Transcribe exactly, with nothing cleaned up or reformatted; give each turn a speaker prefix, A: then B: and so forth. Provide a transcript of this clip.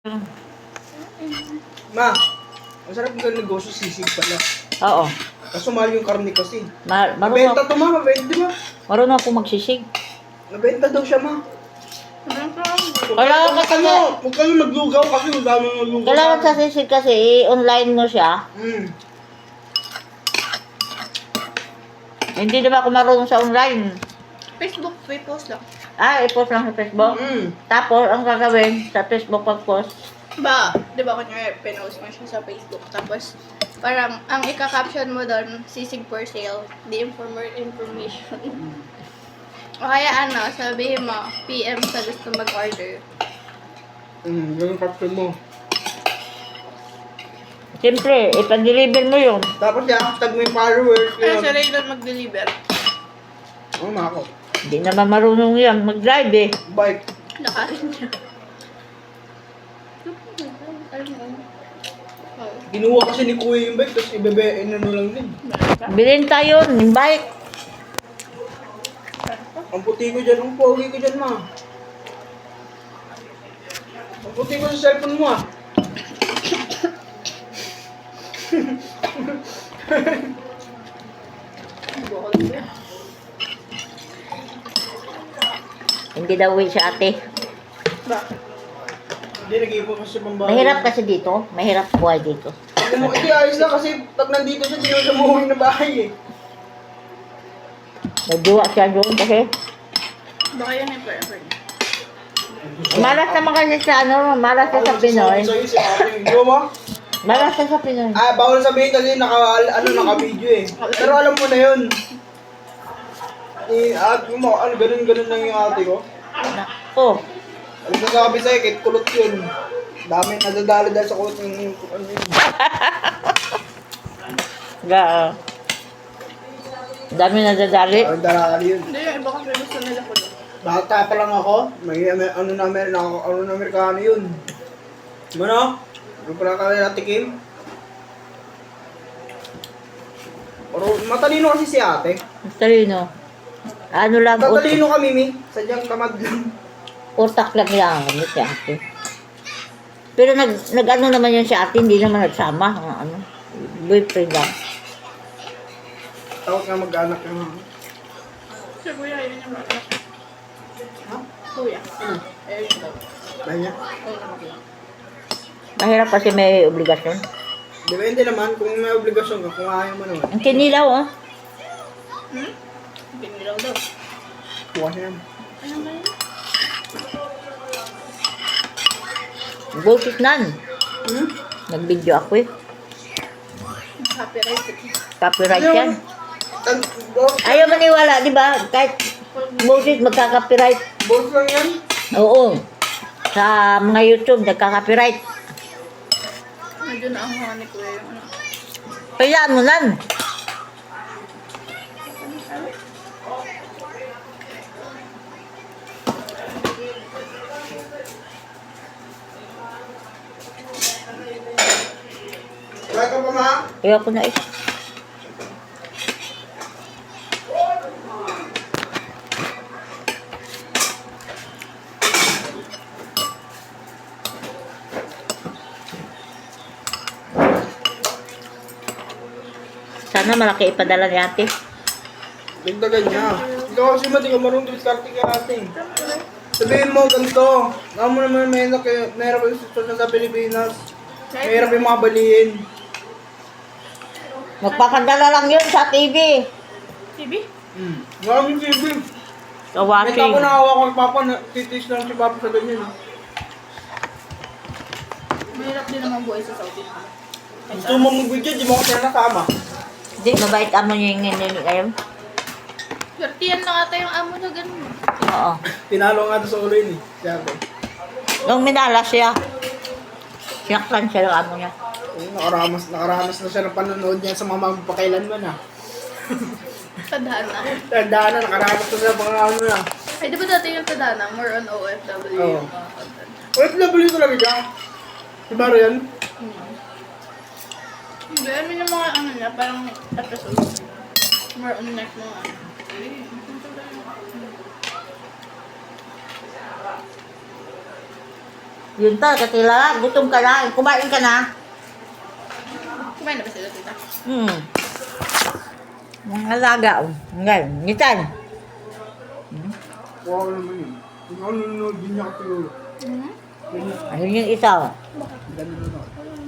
A: Hmm.
B: Ma, ang sarap ng negosyo, sisig pala.
A: Oo.
B: Kaso mahal yung karne kasi.
A: Ma marunong,
B: Nabenta to ma, mabenta di ba?
A: marunong ako magsisig.
B: Nabenta daw siya ma.
A: Kailangan
B: Huwag
A: kasi,
B: ano, huwag kayo maglugaw kasi ang dami maglugaw.
A: kailangan sa sisig kasi, i-online mo siya.
B: Hmm.
A: Hindi naman ako marunong sa online.
C: Facebook, free post lang.
A: Ah, i-post lang sa Facebook.
B: Hmm.
A: Tapos, ang gagawin sa Facebook pag-post,
C: Ba, di ba kunyari, pinost mo siya sa Facebook. Tapos, parang, ang ika-caption mo doon, sisig for sale, the informer information. O kaya ano, sabihin mo, P M sa gusto mag-order.
B: Hmm, ganun caption mo.
A: siyempre, ipa-deliver mo yun.
B: Tapos i-hashtag mo yung followers.
C: Kaya
B: Yun.
C: sila yung doon mag-deliver.
B: Oo, ma ako.
A: Hindi naman marunong yan mag-drive eh.
B: Bike.
C: Nakain niya.
B: Ginuha kasi ni Kuya yung bike, tapos ibebe, inano lang din.
A: Bilhin tayo, yung bike.
B: Ang puti ko dyan, ang pogi ko dyan ma. Ang puti ko sa cellphone mo ah.
A: Hindi daw uwi si ate.
C: Bakit?
B: Hindi, nag-iipon kasi pambahay.
A: Mahirap kasi dito. Mahirap buhay dito.
B: Kung mo, hindi ayos lang kasi pag nandito siya, di naman siya umuwi na bahay eh.
A: Nagduwa siya doon kasi.
C: Baka yan yung forever niya.
A: Malas naman kasi sa ano, malas na sa Pinoy.
B: Sa'yo si ate. Di ba ma?
A: Malas na sa Pinoy.
B: Ah, bawal sabihin kasi naka, ano, naka-video eh. Pero alam mo na yun. Eh, at mo, ano, ganun-ganun lang yung ate ko.
A: Oh,
B: Ano sasabi sa'yo, kahit kulot yun. Dami nadadali dahil sa kulot yung, yung ano yun.
A: ga. Dami na dadali.
B: Ang darali yun.
C: Hindi, yung iba kasi gusto nila ko doon.
B: Bata pa lang ako, may may- ano na meron ako, ano na Amerikano yun. Ano? Ano pala kami natikim? Pero matalino kasi si ate.
A: Talino. Ano lang, ut
B: Tatalino kami, Mi. Sadyang tamad lang.
A: utak lang yan. Ano si ate. Pero nag, nag ano naman yun si ate, hindi naman nagsama. Ang Ano, boyfriend lang.
B: Tawag nga mag-anak yung...
C: Si Kuya, yun yung mga
B: Ha?
C: Kuya.
B: Ano?
C: Ayun yung daw.
B: Dahil niya?
C: Ayun yung mga
A: Mahirap kasi may obligasyon.
B: Depende naman kung may obligasyon ka, kung ayaw mo naman.
A: Ang kinilaw, oh.
C: Hmm? Binilaw daw.
B: Kuha siya yan.
C: Ano ba yun?
A: Bullshit nan.
B: Hmm?
A: Nag-video ako eh.
C: Copyright.
A: Copyright
B: Ayaw.
A: yan.
B: Tag- bo-
A: Ayaw maniwala, di ba? Kahit bullshit, magka-copyright.
B: Boss lang yan.
A: Oo. Sa mga YouTube, nagka-copyright.
C: Medyo na ang mga ni Kuya yung ano.
A: Kayaan mo nan.
B: Wala ka pa, ma?
A: Ayaw ko na eh. Sana malaki ipadala ni ate.
B: Dagdagan niya. Ikaw kasi mati ka marunong diskarte kay ate. Sabihin mo ganito. Alam mo naman may hirap kayo, may hirap yung sitwasyon sa Pilipinas. May hirap yung mga balihin.
A: Magpapadala lang yun sa T V.
C: T V?
B: Hmm. Maraming T V.
A: Sa
B: May
A: watching.
B: ako nakawa ko kay Papa, na titis lang si Papa sa ganyan. ah.
C: Mahirap din naman buhay sa Saudi.
B: Gusto mo mag-video, di mo ko sila nakama.
A: Hindi, mabait amo niya yung nini ngayon.
C: Swerte na ata yung amo na ganun.
A: Oo.
B: Tinalo nga doon sa ulo yun eh. Si ate.
A: Nung minala siya, sinaktan siya ng amo niya.
B: Oo, nakaramas, nakaramas na siya ng panonood niya sa mga magpakailanman ah.
C: Tadhana.
B: Tandaan na, nakaramas na siya pang ano na.
C: Ay, di ba dati yung Tadhana? More on O F W
B: Oo.
C: yung mga content.
B: O F W talaga siya. Si Baro yan?
C: Hindi, I mean yung mga ano niya, parang episode. More on next mga ano.
A: Yun ta, katila, gutom ka na, kumain ka na.
C: Kumain na ba sila, tita?
A: Hmm. Mga alaga, oh. Ngayon, ngitan.
B: Wow naman yun. Kung ano nanonood din niya kasi yun.
C: Hmm?
B: Yun,
A: Ayun yung isa, oh.
B: ganun na.